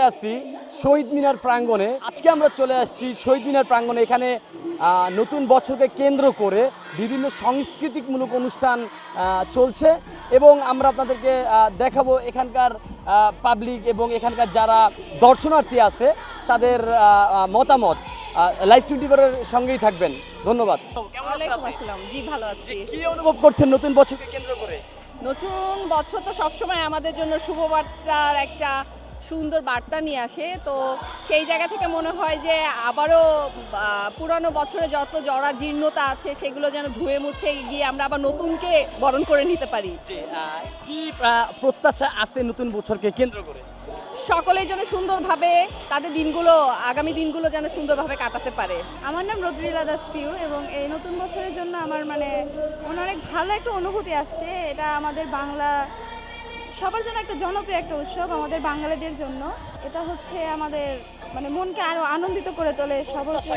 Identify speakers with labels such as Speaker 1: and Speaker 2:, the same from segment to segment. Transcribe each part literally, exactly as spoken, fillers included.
Speaker 1: আছি শহীদ মিনার প্রাঙ্গণে। আজকে আমরা চলে আসছি শহীদ মিনার প্রাঙ্গণে। এখানে নতুন বছরকে কেন্দ্র করে বিভিন্ন সাংস্কৃতিকমূলক অনুষ্ঠান চলছে এবং আমরা আপনাদেরকে দেখাবো এখানকার পাবলিক এবং এখানকার যারা দর্শনার্থী আছে তাদের মতামত। লাইভ টোয়েন্টি ফোর এর সঙ্গেই থাকবেন। ধন্যবাদ।
Speaker 2: ওয়ালাইকুম আসসালাম। জি ভালো আছি।
Speaker 1: কি অনুভব করছেন নতুন বছরকে কেন্দ্র করে?
Speaker 2: নতুন বছর তো সবসময় আমাদের জন্য শুভবার্তার একটা সুন্দর বার্তা নিয়ে আসে, তো সেই জায়গা থেকে মনে হয় যে আবারও পুরানো বছরে যত জরা জীর্ণতা আছে সেগুলো যেন ধুয়ে মুছে গিয়ে আমরা আবার নতুনকে বরণ করে নিতে পারি।
Speaker 1: কি প্রত্যাশা আছে নতুন বছরকে কেন্দ্র করে?
Speaker 2: সকলেই যেন সুন্দরভাবে তাদের দিনগুলো আগামী দিনগুলো যেন সুন্দরভাবে কাটাতে পারে।
Speaker 3: আমার নাম রদ্রিলা দাস পিউ এবং এই নতুন বছরের জন্য আমার মানে অনেক ভালো একটা অনুভূতি আসছে। এটা আমাদের বাংলা সবার জন্য একটা জনপ্রিয় একটা উৎসব, আমাদের বাঙালিদের জন্য। এটা হচ্ছে আমাদের মানে মনকে আরো আনন্দিত করে তোলে। সবাইকে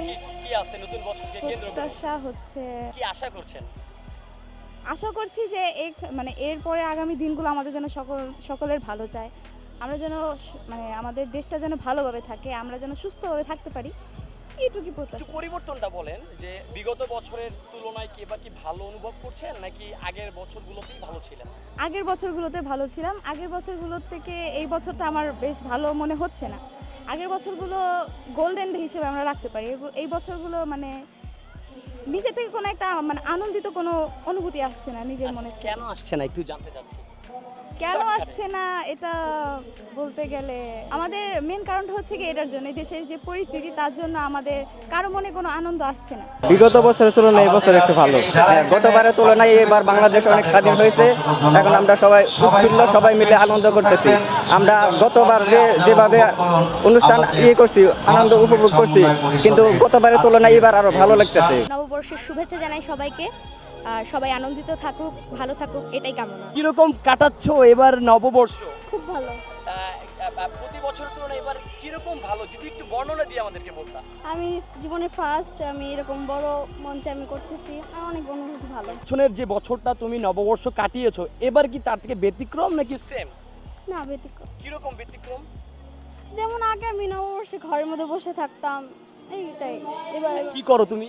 Speaker 3: প্রত্যাশা হচ্ছে,
Speaker 1: কি আশা করছেন?
Speaker 3: আশা করছি যে এই মানে এরপরে আগামী দিনগুলো আমাদের জন্য সকল সকলের ভালো চায়। আমরা যেন মানে আমাদের দেশটা যেন ভালোভাবে থাকে, আমরা যেন সুস্থভাবে থাকতে পারি, এইটুকুই প্রত্যাশা।
Speaker 1: পরিবর্তনটা বলেন যে বিগত বছরের তুলনায় কি এবার কি ভালো অনুভব করছেন নাকি আগের বছরগুলোতেই ভালো ছিলেন?
Speaker 3: আগের বছরগুলোতে ভালো ছিলাম। আগের বছরগুলোর থেকে এই বছরটা আমার বেশ ভালো মনে হচ্ছে না। আগের বছরগুলো গোল্ডেন হিসেবে আমরা রাখতে পারি, এই বছরগুলো মানে নিজে থেকে কোনো একটা মানে আনন্দিত কোনো অনুভূতি আসছে না নিজের মনে।
Speaker 1: কেন আসছে না একটু জানতে চাচ্ছি।
Speaker 3: কেন আসছে না এটা বলতে গেলে আমাদের মেন কারণটা হচ্ছে কি এটার জন্য, দেশের যে পরিস্থিতি তার জন্য আমাদের কারো মনে কোনো আনন্দ আসছে না।
Speaker 4: বিগত বছরের তুলনায় এই বছর একটু ভালো। গতবারের তুলনায় এবার বাংলাদেশ অনেক স্বাধীন হয়েছে। এখন আমরা সবাই উৎফুল্ল, সবাই মিলে আনন্দ করতেছি। আমরা গতবার যে যেভাবে অনুষ্ঠান ইয়ে করছি, আনন্দ উপভোগ করছি, কিন্তু গতবারের তুলনায় এবার আরো ভালো লাগতেছে।
Speaker 5: নববর্ষের শুভেচ্ছা জানাই সবাইকে, আর সবাই আনন্দিত থাকুক, ভালো থাকুক, এটাই কামনা।
Speaker 1: কিরকম কাটাচ্ছ এবার নববর্ষ?
Speaker 5: খুব ভালো।
Speaker 1: প্রতি বছরের তুলনায় এবার কিরকম ভালো যদি একটু বর্ণনা দিয়ে আমাদেরকে বলতাম।
Speaker 5: আমি জীবনে ফার্স্ট আমি এরকম বড় মঞ্চে আমি করতেছি, আর অনেক অনুভূতি ভালো।
Speaker 1: পিছনের যে বছরটা তুমি নববর্ষ কাটিয়েছো এবার কি তার থেকে ব্যতিক্রম নাকি সেম?
Speaker 5: না, ব্যতিক্রম।
Speaker 1: কিরকম ব্যতিক্রম?
Speaker 5: যেমন আগে আমি নববর্ষে ঘরের মধ্যে বসে থাকতাম, এইটাই। এবার
Speaker 1: কি করো তুমি?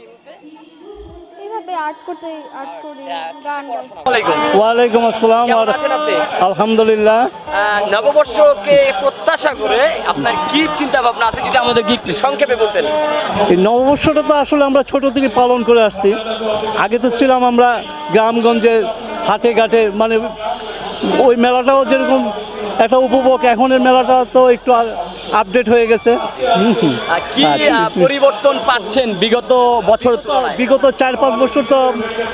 Speaker 5: এইভাবে আর্ট করতে আর্ট করি, গান গাই।
Speaker 6: ওয়ালাইকুম আসসালাম। আলহামদুলিল্লাহ।
Speaker 1: নববর্ষকে প্রত্যাশা করে আপনার কি চিন্তা ভাবনা আছে যদি আমাদের একটু সংক্ষেপে বলতেন?
Speaker 6: এই নববর্ষটা তো আসলে আমরা ছোট থেকে পালন করে আসছি। আগে তো ছিলাম আমরা গ্রামগঞ্জে হাটে ঘাটে, মানে ওই মেলাটাও যেরকম একটা উপভোগ, এখনের মেলাটা তো একটু আপডেট হয়ে গেছে।
Speaker 1: কি পরিবর্তন পাচ্ছেন বিগত বছর?
Speaker 6: বিগত চার পাঁচ বছর তো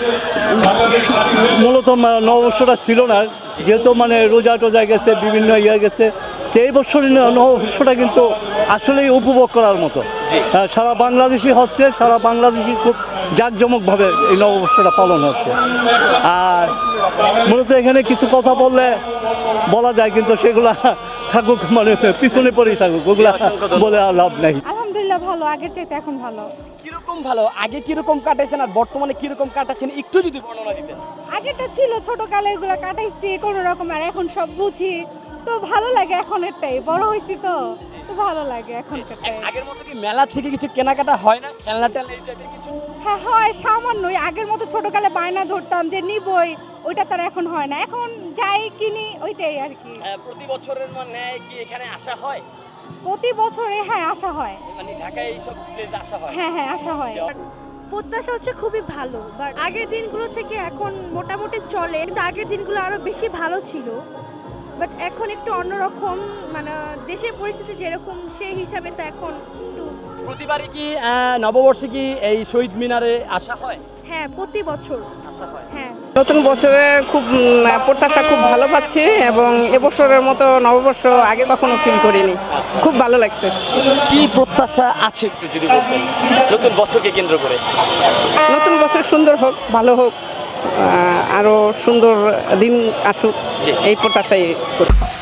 Speaker 6: মূলত নববর্ষটা ছিল না, যেহেতু মানে রোজা টোজা গেছে, বিভিন্ন ইয়ে গেছে। তো এই বছরের নববর্ষটা কিন্তু আসলেই উপভোগ করার মতো। সারা বাংলাদেশি হচ্ছে, সারা বাংলাদেশি খুব জাঁকজমকভাবে এই নববর্ষটা পালন হচ্ছে। আর মূলত এখানে কিছু কথা বললে বলা যায়, কিন্তু সেগুলা থাকুক মানে পিছনে পড়েই থাকুক, ওগুলা বলে আর লাভ নাই।
Speaker 3: আলহামদুলিল্লাহ ভালো, আগের চাইতে এখন ভালো।
Speaker 1: কিরকম ভালো? আগে কিরকম কাটাইছেন আর বর্তমানে কিরকম কাটাচ্ছেন একটু যদি বর্ণনা দিতেন।
Speaker 3: আগেরটা ছিল ছোটকালে এগুলো কাটাইছি কোনো রকম, আর এখন সব বুঝি তো ভালো লাগে। এখন এরটাই বড় হয়েছি তো তো ভালো লাগে এখনকারটাই।
Speaker 1: আগের মতো কি মেলা থেকে কিছু কেনাকাটা হয় না? খেলনা টেলনা এই টাইপের কিছু?
Speaker 3: হ্যাঁ হয়, সামান্যই। আগের মতো ছোটকালে বায়না ধরতাম যে নিবই, ওইটা তার এখন হয় না। এখন যাই কিনি ওইটাই আর কি।
Speaker 1: প্রতি বছরের মানে কি এখানে আসা হয়?
Speaker 3: প্রতি বছরে হ্যাঁ আসা হয়,
Speaker 1: মানে ঢাকায় এইসব প্লেসে আসা হয়?
Speaker 3: হ্যাঁ হ্যাঁ আসা হয়।
Speaker 5: প্রত্যাশা হচ্ছে খুবই ভালো, বাট আগের দিনগুলো থেকে এখন মোটামুটি চলে, কিন্তু আগের দিনগুলো আরো বেশি ভালো ছিল। বাট এখন একটু অন্যরকম, মানে দেশের পরিস্থিতি যেরকম সেই হিসাবে তো এখন একটু।
Speaker 1: প্রতিবারই কি নববর্ষে কি এই শহীদ মিনারে আসা হয়?
Speaker 5: হ্যাঁ, প্রতি বছর
Speaker 1: আসা হয়।
Speaker 5: হ্যাঁ।
Speaker 2: নতুন বছরে খুব প্রত্যাশা খুব ভালো পাচ্ছি এবং এবছরের মতো নববর্ষ আগে কখনো ফিল করিনি, খুব ভালো লাগছে।
Speaker 1: কি প্রত্যাশা আছে একটু যদি বলতেন নতুন বছরকে কেন্দ্র করে?
Speaker 2: নতুন বছর সুন্দর হোক, ভালো হোক, আরো সুন্দর দিন আসুক, এই প্রত্যাশাই করি।